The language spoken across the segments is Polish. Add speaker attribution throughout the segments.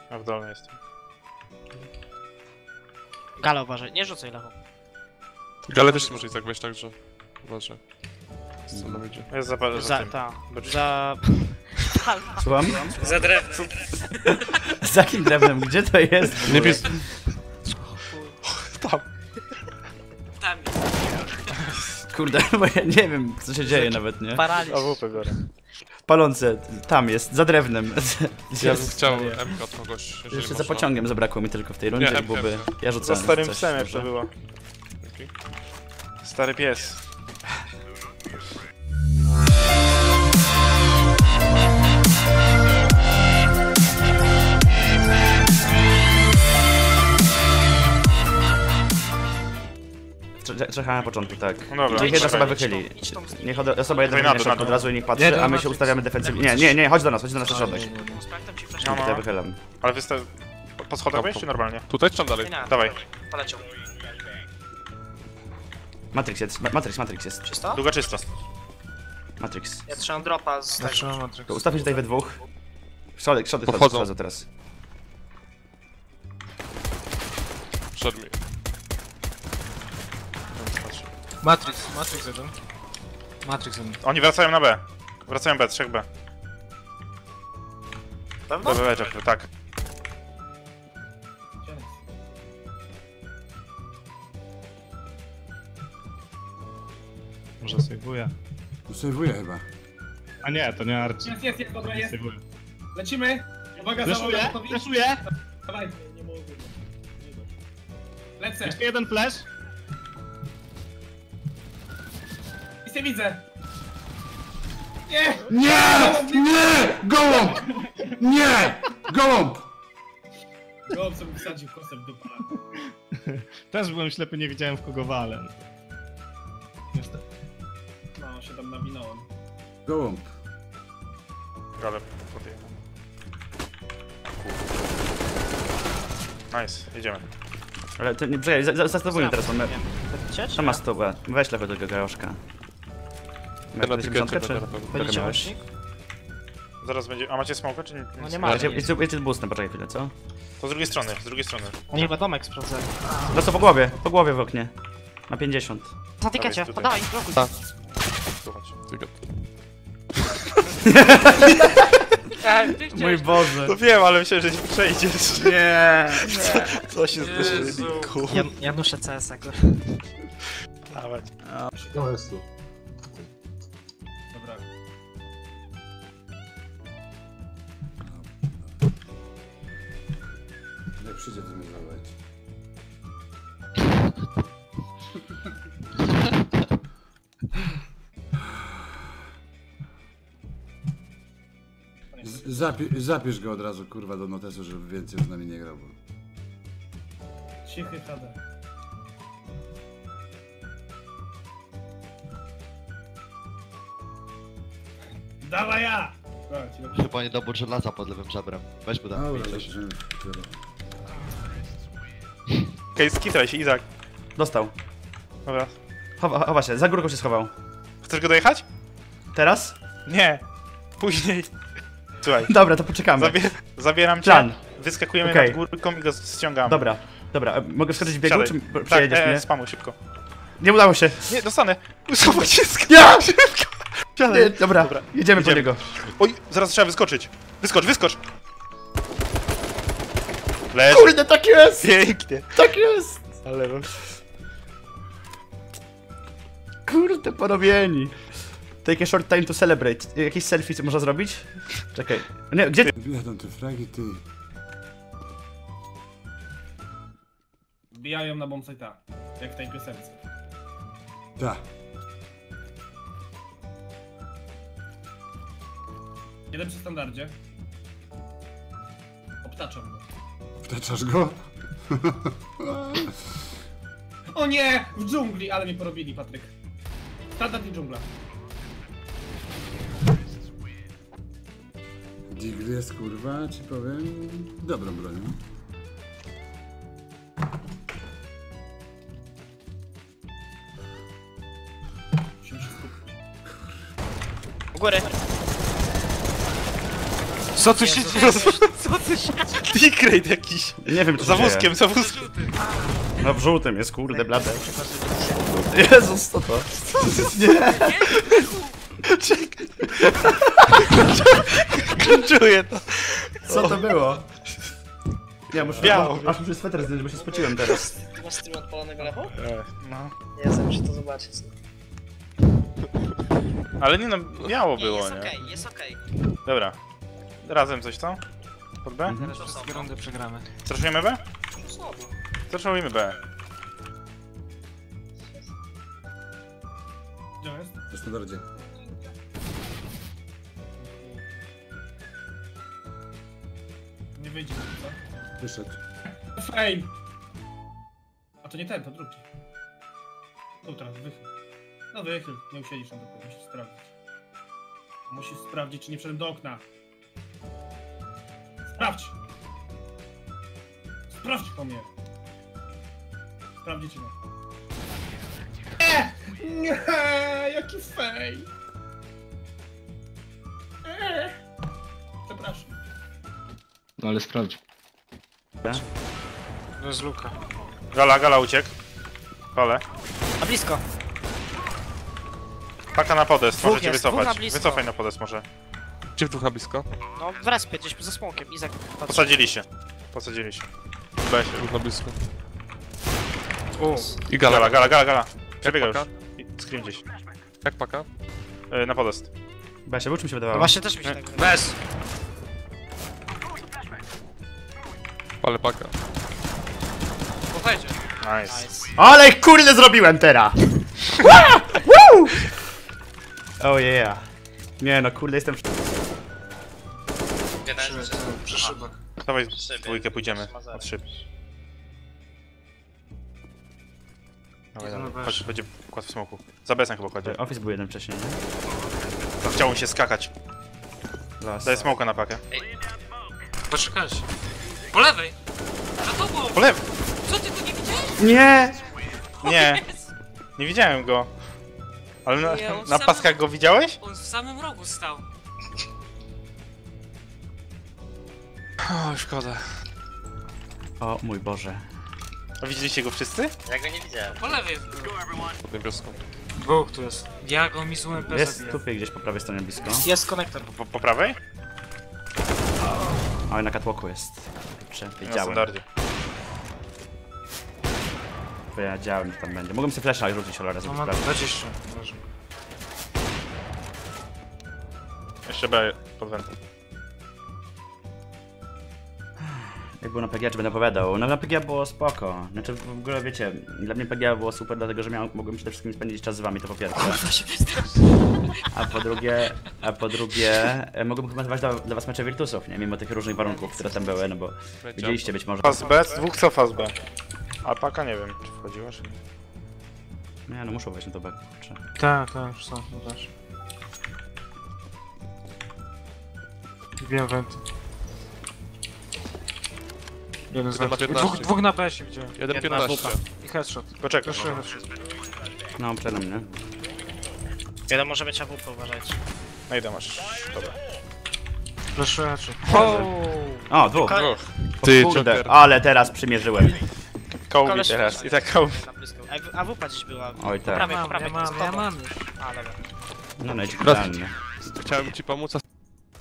Speaker 1: A w dolnej jestem.
Speaker 2: Gala uważaj, nie rzucaj lewą.
Speaker 3: Gale też może i tak wejść, także uważaj. Co nam idzie?
Speaker 1: Jest za
Speaker 2: Za,
Speaker 1: tym.
Speaker 2: ta,
Speaker 1: Dobrze.
Speaker 2: za...
Speaker 4: Słucham?
Speaker 2: Za drewnem.
Speaker 4: Za jakim drewnem? Gdzie to jest?
Speaker 3: Nie pis... Tam.
Speaker 2: Tam
Speaker 4: Kurde, bo ja nie wiem, co się dzieje nawet, nie?
Speaker 2: paraliż.
Speaker 1: AWP biorę.
Speaker 4: Palące, tam jest, za drewnem.
Speaker 3: Ja bym chciał MK od kogoś, jeżeli
Speaker 4: Jeszcze za
Speaker 3: można.
Speaker 4: pociągiem zabrakło mi tylko w tej rundzie,
Speaker 3: Nie,
Speaker 4: byłoby... Ja
Speaker 1: Za
Speaker 4: rzucałem
Speaker 1: starym
Speaker 4: coś,
Speaker 1: psem
Speaker 4: dobrze?
Speaker 1: jeszcze było.
Speaker 3: Dzięki.
Speaker 1: Stary pies.
Speaker 4: Czekam na początku, tak.
Speaker 1: No dobra.
Speaker 4: Niech jedna osoba
Speaker 1: Idź
Speaker 4: wychyli.
Speaker 2: idź tą-
Speaker 4: Niech osoba jedna
Speaker 1: Dawaj na
Speaker 4: wychyli
Speaker 1: dół, na dół.
Speaker 4: od razu i niech patrzy,
Speaker 5: Nie,
Speaker 4: a my
Speaker 5: no,
Speaker 4: się ustawiamy defensywnie. Nie, chodź do nas na środek.
Speaker 2: Sprawdzam ci flash.
Speaker 1: No,
Speaker 4: Tutaj
Speaker 1: no.
Speaker 4: wychylam.
Speaker 1: Ale wystaw... Po schodach wejść czy normalnie?
Speaker 3: Tutaj czy tam dalej?
Speaker 1: Dawaj.
Speaker 2: Poleciał.
Speaker 4: Matrix jest, Matrix jest.
Speaker 2: Czysto?
Speaker 1: Długa czysto.
Speaker 4: Matrix.
Speaker 2: Ja trzymam dropa z tego.
Speaker 4: To ustawmy się tutaj we dwóch. Środek
Speaker 3: Podchodzą.
Speaker 4: wchodzą teraz.
Speaker 3: Przed mi.
Speaker 5: Matrix jeden. Matrix jeden.
Speaker 1: Oni wracają na B. Wracają B, 3B.
Speaker 2: Pewno?
Speaker 1: B, tak.
Speaker 5: Może sejwuję.
Speaker 6: Sejwuję chyba.
Speaker 5: A nie, to nie Archie.
Speaker 7: Jest, dobra, jest.
Speaker 5: Sejwuję.
Speaker 7: Lecimy! Uwaga,
Speaker 5: Fleszuję,
Speaker 7: załoga,
Speaker 5: fleszuję!
Speaker 7: Dawaj. Nie mogę. Lecę.
Speaker 5: Jeszcze jeden flash.
Speaker 7: Nic nie widzę. Nie!
Speaker 6: Nie! Nie! Gołąb! Nie! Gołąb!
Speaker 7: Gołąb sobie wsadził kosem do pana.
Speaker 5: Też byłem ślepy, nie widziałem w kogo walę. Niestety.
Speaker 7: No, się tam nawinąłem.
Speaker 6: Gołąb.
Speaker 1: Ale podjechałem. Nice, jedziemy.
Speaker 4: Ale to nie, czekaj, zastosujmy teraz, mamy...
Speaker 2: Cię, czy
Speaker 4: Tam masz to, weź lewo tego gajoszka.
Speaker 3: Ja na tykecie
Speaker 4: czy...
Speaker 3: będę na pewno.
Speaker 2: Będziecie
Speaker 4: miałeś?
Speaker 2: łącznik?
Speaker 1: Zaraz będzie... A macie smoka czy nie?
Speaker 2: No nie ma.
Speaker 4: Jedzie boostem, poczekaj chwilę, co?
Speaker 1: To z drugiej strony, z drugiej strony.
Speaker 2: Oni chyba domek sprawdzali.
Speaker 4: No co, po głowie w oknie. Na 50.
Speaker 2: Na tykecie,
Speaker 1: tutaj.
Speaker 2: podawaj, blokuj.
Speaker 1: Słuchać.
Speaker 3: Tykiet.
Speaker 4: Mój Boże.
Speaker 1: No wiem, ale myślę, że nie przejdziesz.
Speaker 4: Nie.
Speaker 1: Co się zdarzyło?
Speaker 2: Janusze CS-a, kurwa.
Speaker 1: Dawaj.
Speaker 6: To jest tu.
Speaker 7: Dobra.
Speaker 6: Jak przyjdzie, to mnie zawołać. Zapisz go od razu, kurwa, do notesu, żeby więcej z nami nie grał. Bo...
Speaker 7: Cichy HD. Dawaj ja! Dobra, ci dobrze.
Speaker 8: Chyba niedobór żelaza pod lewym żebrem. Weź mu dam.
Speaker 6: Dobra,
Speaker 8: Coś.
Speaker 6: zobaczymy.
Speaker 1: Okej, skitraj się, Izak.
Speaker 4: Dostał.
Speaker 1: Dobra.
Speaker 4: Chowa się, za górką się schował.
Speaker 1: Chcesz go dojechać?
Speaker 4: Teraz?
Speaker 1: Nie. Później. Słuchaj.
Speaker 4: Dobra, to poczekamy.
Speaker 1: Zabieram cię.
Speaker 4: Plan.
Speaker 1: Wyskakujemy
Speaker 4: Okej.
Speaker 1: nad górką i go ściągamy.
Speaker 4: Dobra. Mogę wskoczyć w biegu,
Speaker 1: Siadaj.
Speaker 4: czy
Speaker 1: Tak,
Speaker 4: przejedziesz mnie?
Speaker 1: spamuj szybko.
Speaker 4: Nie udało się.
Speaker 1: Nie, dostanę. Usuwaj się z
Speaker 4: Ja!
Speaker 1: szybko. Siadaj.
Speaker 4: Nie, dobra, jedziemy po niego.
Speaker 1: Oj, zaraz trzeba wyskoczyć. Wyskocz. Leż.
Speaker 4: Kurde, tak jest!
Speaker 1: Pięknie.
Speaker 4: Tak jest!
Speaker 1: Ale...
Speaker 4: Kurde, porobieni. Take a short time to celebrate. Jakieś selfie co można zrobić? Czekaj. Nie, gdzie?
Speaker 6: Jadą te fragi, ty.
Speaker 7: Wbijają na bombsite'a. Jak w tej piosence.
Speaker 6: Da.
Speaker 7: Jeden przy standardzie. Obtaczam go.
Speaker 6: Wtaczasz go?
Speaker 7: O nie! W dżungli! Ale mnie porobili, Patryk. Standard i dżungla.
Speaker 6: Digl jest, kurwa, ci powiem, dobrą bronią.
Speaker 7: Musimy się skupić.
Speaker 2: U góry. Co tu się dzieje? Co tu się
Speaker 1: T-Crate jakiś.
Speaker 4: Nie wiem, co
Speaker 1: Za
Speaker 4: się dzieje.
Speaker 1: wózkiem, za wózkiem.
Speaker 4: No w żółtym jest, kurde, blade. Jezus, co to? Nie!
Speaker 1: Czuję to.
Speaker 4: Co to było? Ja muszę...
Speaker 1: Biało.
Speaker 4: Aż muszę sweter zdjąć, bo się spociłem teraz.
Speaker 2: Ty masz stream odpalonego lewo?
Speaker 1: No.
Speaker 2: Ja muszę to zobaczyć.
Speaker 1: Ale nie no, miało było,
Speaker 2: jest
Speaker 1: nie?
Speaker 2: okej, jest okej.
Speaker 1: Dobra. Razem coś, co? Pod B?
Speaker 4: Mhm.
Speaker 2: Teraz wszystkie rundy przegramy.
Speaker 1: Straszujemy B? Straszujemy B.
Speaker 7: Gdzie on jest?
Speaker 6: W standardzie.
Speaker 7: Nie wyjdzie, co?
Speaker 6: Wyszedł.
Speaker 7: Frame! A to nie ten, to drugi. Tu teraz, wychyl. No wychyl, nie usiedzisz tam, tylko musisz sprawdzić. Musisz sprawdzić, czy nie wszedłem do okna. Sprawdź! Sprawdź po mnie! Sprawdźcie mnie. Nie! Nie! Jaki fej! Przepraszam.
Speaker 5: No ale sprawdź.
Speaker 2: To jest luka.
Speaker 1: Gala uciekł. Kole.
Speaker 2: A blisko.
Speaker 1: Paka na podest,
Speaker 2: Dwóch
Speaker 1: możecie
Speaker 2: jest, dwóch na
Speaker 1: wycofać.
Speaker 2: blisko.
Speaker 1: Wycofaj na podest może.
Speaker 3: Gdzie w ducha blisko?
Speaker 2: No w respie, gdzieś za smokiem. Izak patrzy.
Speaker 1: Posadziliście. Posadziliście. B się.
Speaker 3: Duch na blisko.
Speaker 2: U.
Speaker 3: I gala.
Speaker 1: Gala. Przebiega już.
Speaker 3: paka?
Speaker 1: Scream gdzieś.
Speaker 3: Jak paka?
Speaker 1: Na podest.
Speaker 4: Besia, bo czym się
Speaker 2: No
Speaker 4: wydawało?
Speaker 2: właśnie też mi się tak wydaje.
Speaker 1: Bez!
Speaker 3: Ale paka.
Speaker 2: Powiedział.
Speaker 1: Nice.
Speaker 2: Nice.
Speaker 4: Ale kurde zrobiłem teraz! Woo! Oh yeah. Nie no, kurde jestem...
Speaker 2: Przy szybach.
Speaker 1: Dawaj w dwójkę pójdziemy. Od szyb. Dawaj. Chodź, będzie kładł w smoku. Za besem chyba kładzie.
Speaker 4: Office był jeden wcześniej, nie?
Speaker 1: To chciał mu się skakać.
Speaker 4: Las.
Speaker 1: Daję smoka na pakę.
Speaker 2: Poczekajcie. Po lewej! Za tobą!
Speaker 1: Po lewo!
Speaker 2: Co ty go nie widziałeś?
Speaker 4: Nie!
Speaker 1: Nie! Nie widziałem go. Ale
Speaker 9: Nie, on
Speaker 1: na
Speaker 9: sam-
Speaker 1: paskach go widziałeś?
Speaker 9: On w samym rogu stał.
Speaker 1: O, szkoda.
Speaker 4: O mój Boże.
Speaker 1: A widzieliście go wszyscy?
Speaker 9: Po lewej był.
Speaker 3: Pod niebieską.
Speaker 2: Dwóch tu jest.
Speaker 9: Ja go mi z UMP
Speaker 4: Jest
Speaker 9: zabiję.
Speaker 4: tupie gdzieś po prawej stronie blisko.
Speaker 2: Jest konektor.
Speaker 1: Po prawej?
Speaker 4: Oj, na catwalku jest.
Speaker 1: Na
Speaker 4: Wiedziałem.
Speaker 1: standardzie.
Speaker 4: Wiedziałem, że tam będzie. Mogłem sobie flasha rzucić, ale
Speaker 2: No
Speaker 4: razem
Speaker 2: ma
Speaker 4: sprawdzić.
Speaker 2: 20.
Speaker 1: Jeszcze B pod wentem.
Speaker 4: Jak było na PGA, czy będę opowiadał? No na PGA było spoko. Znaczy w ogóle wiecie, dla mnie PGA było super, dlatego że mogłem przede wszystkim spędzić czas z wami, to po pierwsze. A po drugie, mogłem chyba dawać dla was mecze Virtusów, nie? Mimo tych różnych warunków, które tam były, no bo widzieliście być może.
Speaker 1: Fast B, dwóch cofa z B. Alpaka nie wiem, czy wchodziła, czy nie.
Speaker 4: Nie no, muszą wejść na to back, kurczę.
Speaker 2: Tak, już są, no też. Wbijam wenty. Jeden z
Speaker 3: Jeden na
Speaker 2: wenty.
Speaker 3: 15.
Speaker 2: Dwóch na PS widziałem.
Speaker 3: 1.15.
Speaker 2: I headshot.
Speaker 1: Poczekaj.
Speaker 2: Proszę headshot.
Speaker 4: No, przede mnie.
Speaker 2: Jeden może mieć AWP, uważajcie.
Speaker 1: No i to masz. Dobra.
Speaker 2: Proszę headshot.
Speaker 4: O, dwóch.
Speaker 3: Ty,
Speaker 4: Kurde,
Speaker 3: Joker.
Speaker 4: ale teraz przymierzyłem.
Speaker 1: Kołbi
Speaker 2: Koleś
Speaker 1: teraz.
Speaker 2: też.
Speaker 1: I tak kołbi.
Speaker 2: Na blisko. AWP gdzieś była.
Speaker 4: Oj, tak.
Speaker 2: Po prawej,
Speaker 9: Ja mam już.
Speaker 2: A, dobra.
Speaker 4: No, no idź idealnie.
Speaker 3: Chciałem ci pomóc, a...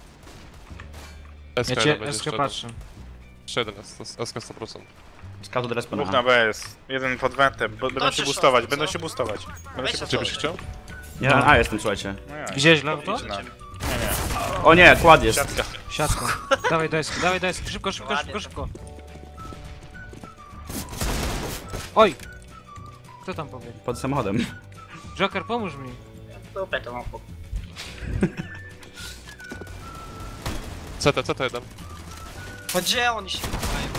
Speaker 2: Ja
Speaker 3: SK
Speaker 2: cię
Speaker 3: będzie
Speaker 2: SK
Speaker 3: jeszcze
Speaker 2: patrzę.
Speaker 3: Jeszcze jeden jest, to jest SK 100%.
Speaker 4: Scout od respa
Speaker 1: Dwóch
Speaker 4: na
Speaker 1: na B jest. Jeden pod wentem. Będą się
Speaker 2: czy
Speaker 1: boostować,
Speaker 2: short,
Speaker 1: będą
Speaker 2: co?
Speaker 1: się boostować. Będą się
Speaker 3: Gdzie byś
Speaker 1: boostować.
Speaker 3: chciał?
Speaker 4: Ja na A jestem, słuchajcie.
Speaker 1: No ja.
Speaker 2: Widziałeś lewo to?
Speaker 1: Idź na-
Speaker 4: O nie, kład jest.
Speaker 1: Siatka.
Speaker 2: Siatką. Dawaj deski, szybko. Oj! Kto tam powie?
Speaker 4: Pod samochodem.
Speaker 2: Joker, pomóż mi.
Speaker 3: CT jeden.
Speaker 2: No gdzie oni się wydają?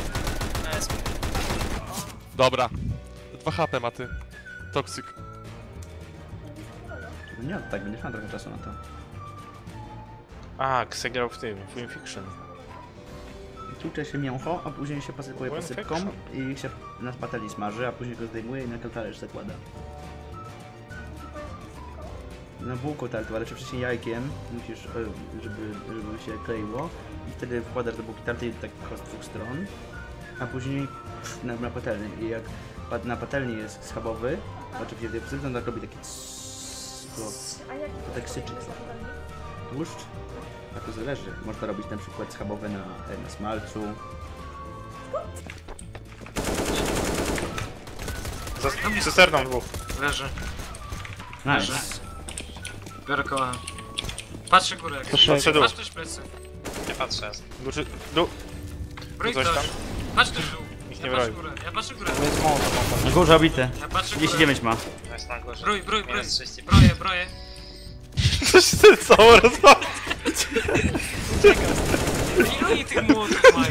Speaker 3: Dobra. 2 HP ma ty. Toxic.
Speaker 4: Nie, tak, będziesz miał trochę czasu na to.
Speaker 1: A, Kse grał w tym, w Win Fiction.
Speaker 4: Tłucze się mięcho, a później się posypuje
Speaker 1: Win
Speaker 4: posypką
Speaker 1: Fiction.
Speaker 4: i się na patelni smaży, a później go zdejmuje i na talerz zakłada. na bułku tartową, ale wcześniej jajkiem, musisz, żeby się kleiło i wtedy wkładasz do bułki tarty tak z dwóch stron, a później na patelnię i jak na patelni jest schabowy, oczywiście to tak robi taki to tak syczy tłuszcz, a to zależy, można robić na przykład schabowy na smalcu.
Speaker 1: Za cysterną dwóch.
Speaker 2: Leży.
Speaker 4: Nice.
Speaker 2: Biorę koła. Patrzę górę.
Speaker 1: Patrzę dół.
Speaker 2: Patrz też plecy.
Speaker 1: Nie patrzę. Dół.
Speaker 2: Broj
Speaker 1: Coś
Speaker 2: ktoś.
Speaker 1: tam?
Speaker 2: Patrz też dół.
Speaker 1: Nikt
Speaker 2: Ja
Speaker 1: nie
Speaker 2: patrzę
Speaker 1: broi.
Speaker 2: górę. Ja patrzę górę.
Speaker 4: Na górze obity.
Speaker 2: Ja patrzę górę.
Speaker 4: 39 ma.
Speaker 1: Jest na górze.
Speaker 2: Broj.
Speaker 1: Minus 30.
Speaker 2: Broję.
Speaker 1: Coś ty całą rozwalę.
Speaker 2: Ile oni tych młotów mają?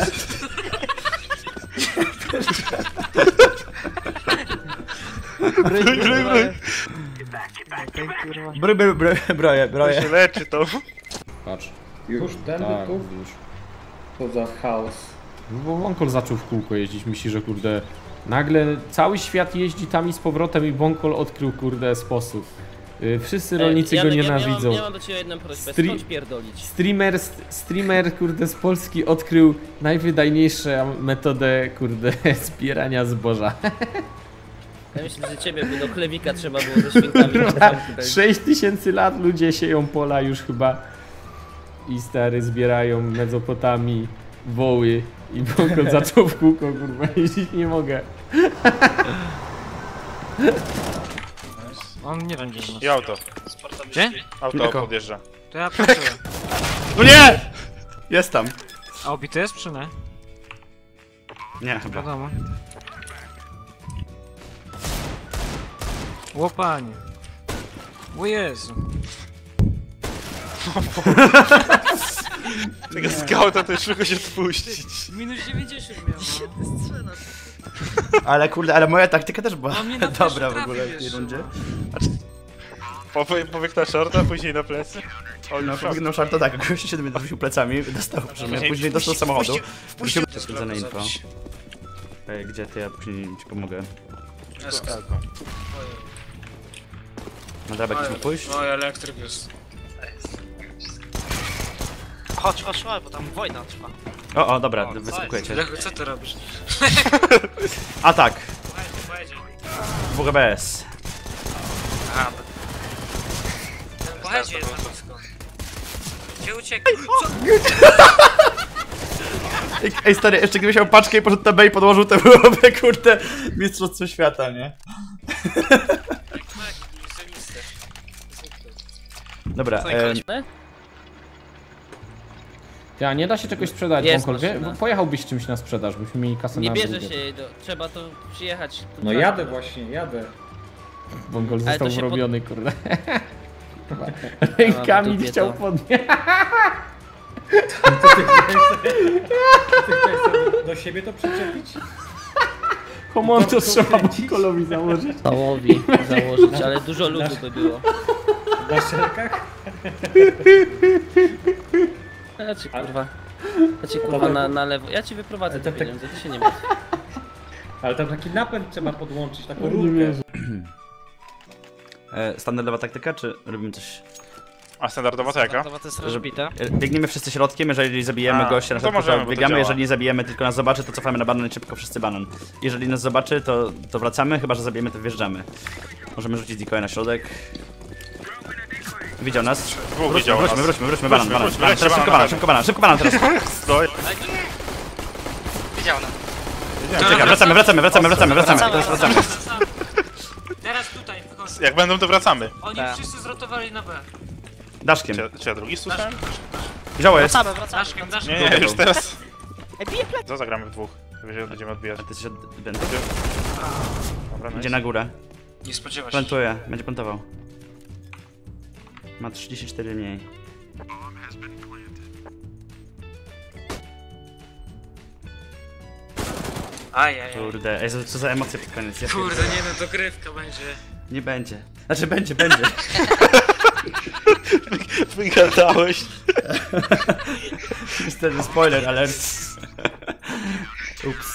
Speaker 4: Broję.
Speaker 1: To się leczy to.
Speaker 10: Patrz.
Speaker 11: Już tędy
Speaker 10: Tak,
Speaker 11: tu?
Speaker 10: już.
Speaker 11: Co za chaos.
Speaker 10: No bo Bonkol zaczął w kółko jeździć, myśli, że kurde... Nagle cały świat jeździ tam i z powrotem i Bonkol odkrył kurde sposób. Wszyscy rolnicy go nienawidzą.
Speaker 12: Ja mam do ciebie jedną prośbę,
Speaker 10: Stri-
Speaker 12: skąd pierdolić?
Speaker 10: Streamer kurde z Polski odkrył najwydajniejszą metodę kurde zbierania zboża.
Speaker 12: Ja myślę, że ciebie by do chlewika trzeba było ze świnkami.
Speaker 10: 6000 lat ludzie sieją pola już chyba i stary zbierają Mezopotami woły i Bonkol zaczął w kółko kurwa jeździć, nie mogę.
Speaker 2: On nie wiem gdzie
Speaker 1: I auto.
Speaker 2: Gdzie?
Speaker 1: Auto podjeżdża.
Speaker 2: To ja patrzę.
Speaker 4: No nie! Jest tam.
Speaker 2: A obity jest czy nie?
Speaker 4: Nie, chyba.
Speaker 2: Wiadomo. Łopanie. O Jezu.
Speaker 1: Tego skauta to już tylko się wpuścić.
Speaker 2: Minus 90 miał. No.
Speaker 4: Ale kurde, ale moja taktyka też była
Speaker 2: A mnie na
Speaker 4: dobra w
Speaker 2: trafi
Speaker 4: ogóle w tej
Speaker 2: wiesz,
Speaker 4: rundzie.
Speaker 1: Pobiegł na shorta, później na plecy.
Speaker 4: No, pobiegną szarto tak, gościu się do mnie rzucił plecami, dostał przy mnie, później dostał z samochodu. Wrócił to skrócone info. Ej, gdzie ty? Ja później ci pomogę. No dobra, jakiś mógł pójść?
Speaker 2: Oj, elektryk jest.
Speaker 12: Chodź, bo tam wojna trwa.
Speaker 4: O, dobra, wyskakuję cię.
Speaker 2: Lechu, co ty robisz?
Speaker 4: Atak!
Speaker 2: Pojedzie.
Speaker 4: WGBS.
Speaker 2: Pojedzie jest na blisko. Gdzie uciekł?
Speaker 4: Ej stary, jeszcze gdybyś miał paczkę i poszedł na B i podłożył, to byłoby kurde mistrzostwo świata, nie? Dobra,
Speaker 10: Ty, a nie da się czegoś sprzedać,
Speaker 12: Jest
Speaker 10: Bonkol, wie?
Speaker 12: maszyna.
Speaker 10: Pojechałbyś czymś na sprzedaż, byśmy mieli kasę
Speaker 12: Nie
Speaker 10: na
Speaker 12: bierze
Speaker 10: drugie.
Speaker 12: się jej do... Trzeba to przyjechać. Tu
Speaker 11: No jadę właśnie, jadę.
Speaker 10: Bonkol
Speaker 12: Ale
Speaker 10: został
Speaker 12: to się
Speaker 10: wrobiony, kurde. Rękami
Speaker 12: dupie
Speaker 10: chciał
Speaker 12: to.
Speaker 10: podnieść.
Speaker 11: Co ty chciałeś sobie do siebie to przyczepić?
Speaker 10: Komonto trzeba Bonkolowi założyć.
Speaker 12: Pałowi założyć, ale dużo ludu by było.
Speaker 11: Na szelkach?
Speaker 12: Ja ci kurwa na lewo. Ja ci wyprowadzę te pieniądze, ty się nie martw.
Speaker 11: Ale tam taki napęd trzeba podłączyć, taką rurkę.
Speaker 4: standardowa taktyka, czy robimy coś?
Speaker 1: A standardowa to jaka?
Speaker 12: To jest rozbita.
Speaker 4: Biegniemy wszyscy środkiem, jeżeli zabijemy gościa, na
Speaker 1: to
Speaker 4: przykład,
Speaker 1: możemy,
Speaker 4: to
Speaker 1: bo to
Speaker 4: biegamy,
Speaker 1: działa.
Speaker 4: jeżeli nie zabijemy, tylko nas zobaczy, to cofamy na banan i szybko wszyscy banan. Jeżeli nas zobaczy, to wracamy, chyba że zabijemy, to wjeżdżamy. Możemy rzucić decoy na środek. Widział nas.
Speaker 1: Dwóch widział nas.
Speaker 4: Wróćmy, banan.
Speaker 1: Wróćmy,
Speaker 4: Teraz szybko banan teraz.
Speaker 1: Stoj.
Speaker 12: Widział nas.
Speaker 4: Czekaj, wracamy.
Speaker 2: Teraz tutaj wychodzi.
Speaker 1: Jak będą, to wracamy.
Speaker 2: Oni wszyscy zrotowali na B.
Speaker 4: Daszkiem.
Speaker 1: Czy ja drugi słyszałem?
Speaker 4: Wzięło jest.
Speaker 12: Wracamy.
Speaker 2: Daszkiem.
Speaker 1: Nie, już teraz.
Speaker 12: Ej, bije plec.
Speaker 1: Co zagramy w dwóch? Będziemy odbijać.
Speaker 4: A ty jesteś od eventu.
Speaker 1: Dobra,
Speaker 4: Idzie na górę.
Speaker 2: Nie spodziewa się.
Speaker 4: Plantuje, będzie plantował. Ma 34 mniej.
Speaker 2: Ajajaj.
Speaker 4: Kurde, ej, co za emocje pod koniec. Ja
Speaker 2: Kurde,
Speaker 4: pierdolę.
Speaker 2: nie no, dogrywka będzie.
Speaker 4: Nie będzie. Znaczy będzie.
Speaker 1: Wygadałeś.
Speaker 4: Niestety spoiler alert. Ups.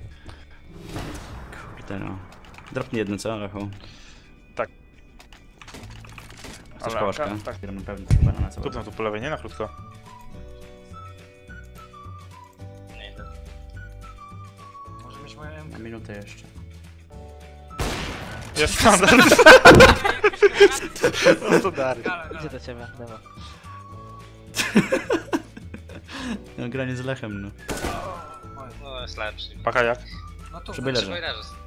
Speaker 4: Kurde no. Dropnij jedno, co, Lechu?
Speaker 1: Tak.
Speaker 4: Chcesz
Speaker 1: Ale
Speaker 4: kołaszka?
Speaker 1: tak.
Speaker 4: Tak, na pewno chyba na całe.
Speaker 1: Tupnę tu po lewej, nie na krótko.
Speaker 9: Może mieć moją
Speaker 4: Na minutę jeszcze.
Speaker 1: Jest standard. No to Dariusz.
Speaker 12: Idzie do ciebie, dawa.
Speaker 4: No granie z Lechem, no.
Speaker 2: No jest lepszy.
Speaker 1: Paka jak?
Speaker 9: No tu,
Speaker 4: Żeby leżał.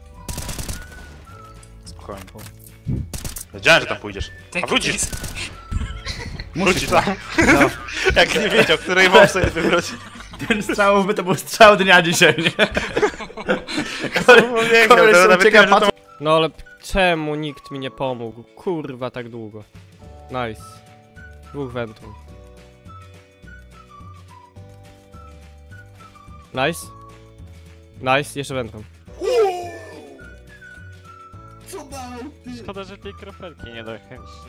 Speaker 1: Spokojnie. Wiedziałem, że tam pójdziesz. A wrócisz! Wrócisz tam.
Speaker 4: No.
Speaker 1: Jak nie wiedział, której mob sobie wybrać.
Speaker 4: Ten strzał by to był strzał dnia dzisiaj, nie?
Speaker 1: Koleś sobie ucieka, że to...
Speaker 10: No ale czemu nikt mi nie pomógł? Kurwa, tak długo. Nice. Dwóch wentów. Nice. Nice, jeszcze wentą.
Speaker 1: Szkoda, że tej krofelki nie dojechałem.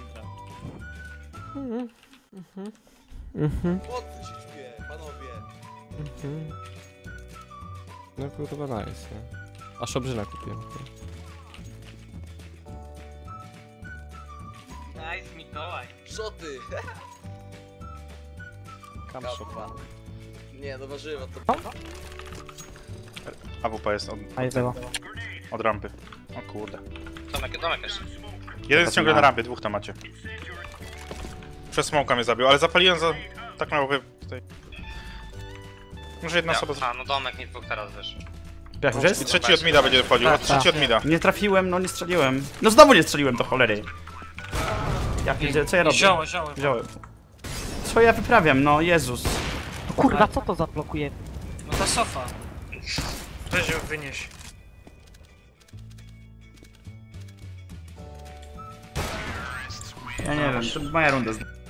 Speaker 10: No kurwa nice, nie? A szobrzyna kupiłem.
Speaker 2: Nice, Mikołaj.
Speaker 13: Co ty?
Speaker 1: Kam szopa.
Speaker 13: Nie, no warzywa to...
Speaker 1: AWP jest od rampy. O kurde.
Speaker 2: Domek jeszcze.
Speaker 1: Jeden jest ciągle na rampie, dwóch tam macie. Przez smoka mnie zabił, ale zapaliłem za... Tak miałoby tutaj... Może jedna osoba...
Speaker 2: A, no domek nie dwóch teraz wyszło.
Speaker 4: Jak już
Speaker 1: I
Speaker 4: jest?
Speaker 1: trzeci od mida będzie wchodził, trzeci od mida.
Speaker 4: Nie trafiłem, no nie strzeliłem. No znowu nie strzeliłem, to cholery. Ja pierdzielę, co ja robię?
Speaker 9: Zioło.
Speaker 4: Wziąłem. Co ja wyprawiam, no Jezus.
Speaker 12: Kurwa, co to zablokuje?
Speaker 9: No ta sofa. Weź ją wynieś.
Speaker 4: Ja nie wiem, to moja runda.